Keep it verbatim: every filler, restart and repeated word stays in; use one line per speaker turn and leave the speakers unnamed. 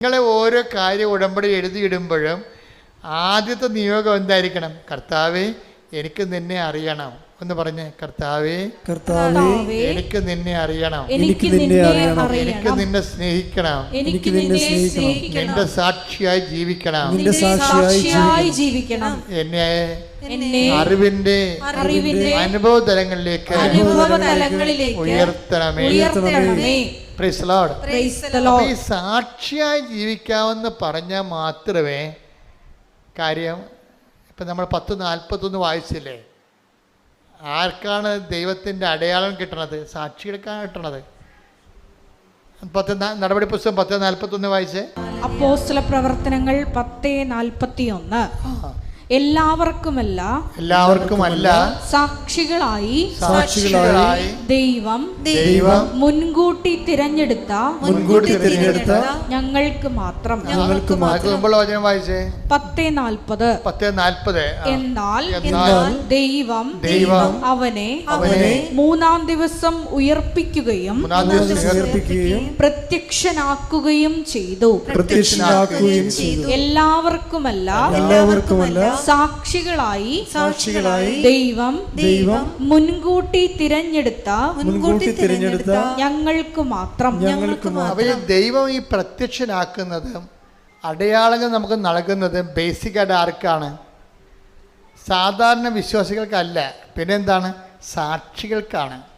നിങ്ങളെ ഓരോ കാര്യം ഉടമ്പടി എഴുതിയിടുമ്പോഴും ആദ്യത്തെ നിയോഗം എന്തായിരിക്കണം? കർത്താവേ, എനിക്ക് നിന്നെ അറിയണം എന്ന് പറഞ്ഞ്, കർത്താവേ
കർത്താവേ
എനിക്ക് നിന്നെ അറിയണം,
എനിക്ക് നിന്നെ അറിയണം,
എനിക്ക് നിന്നെ സ്നേഹിക്കണം,
എനിക്ക് നിന്നെ സ്നേഹിക്കണം,
നിന്റെ സാക്ഷിയായി ജീവിക്കണം,
നിന്റെ സാക്ഷിയായി ജീവിക്കണം,
എന്നെ
എന്നെ
അറിവിന്റെ
അറിവിന്റെ
അനുഭവ തലങ്ങളിലേക്ക്
അനുഭവതലങ്ങളിലേക്ക്
ഉയർത്തണമേ.
ഉയർത്തണമേ.
Praise lord.
Praise the lord.
ഈ സാക്ഷിയായി ജീവിക്കാമെന്ന് പറഞ്ഞാൽ മാത്രമേ കാര്യം. ഇപ്പം നമ്മൾ പത്ത് നാൽപ്പത്തൊന്ന് വായിച്ചില്ലേ? ആർക്കാണ് ദൈവത്തിൻ്റെ അടയാളം കിട്ടണത്? സാക്ഷികൾക്കാണ് കിട്ടണത്. പത്ത് നടപടി പുസ്തകം പത്ത് നാൽപ്പത്തൊന്ന് വായിച്ചേ.
അപ്പോസ്തല പ്രവർത്തനങ്ങൾ പത്ത് നാൽപ്പത്തിയൊന്ന്. എല്ലാവർക്കുമല്ല
എല്ലാവർക്കുമല്ല
സാക്ഷികളായി
സാക്ഷികളായി
ദൈവം
ദൈവം
മുൻകൂട്ടി തിരഞ്ഞെടുത്ത
മുൻകൂട്ടി തിരഞ്ഞെടുത്ത
ഞങ്ങൾക്ക് മാത്രം
ഞങ്ങൾക്ക് മുമ്പുള്ള വചനം വായിച്ചേ.
പത്ത് നാൽപ്പത്.
പത്ത് നാൽപ്പത്.
എന്നാൽ
എന്നാൽ
ദൈവം
ദൈവം
അവനെ
അവനെ
മൂന്നാം ദിവസം ഉയർപ്പിക്കുകയും
മൂന്നാം ദിവസം ഉയർപ്പിക്കുകയും
പ്രത്യക്ഷനാക്കുകയും ചെയ്തു.
പ്രത്യക്ഷനാക്കുകയും ചെയ്തു.
എല്ലാവർക്കുമല്ല
എല്ലാവർക്കുമല്ല
സാക്ഷികളായി
സാക്ഷികളായി
ദൈവം
ദൈവം
മുൻകൂട്ടി തിരഞ്ഞെടുത്ത
മുൻകൂട്ടി തിരഞ്ഞെടുത്ത
ഞങ്ങൾക്ക് മാത്രം
ഞങ്ങൾക്ക്
അപ്പോൾ ഈ ദൈവം ഈ പ്രത്യക്ഷനാക്കുന്നത്, അടയാളങ്ങൾ നമുക്ക് നൽകുന്നത് ബേസിക്കായിട്ട് ആർക്കാണ്? സാധാരണ വിശ്വാസികൾക്കല്ല. പിന്നെന്താണ്? സാക്ഷികൾക്കാണ്.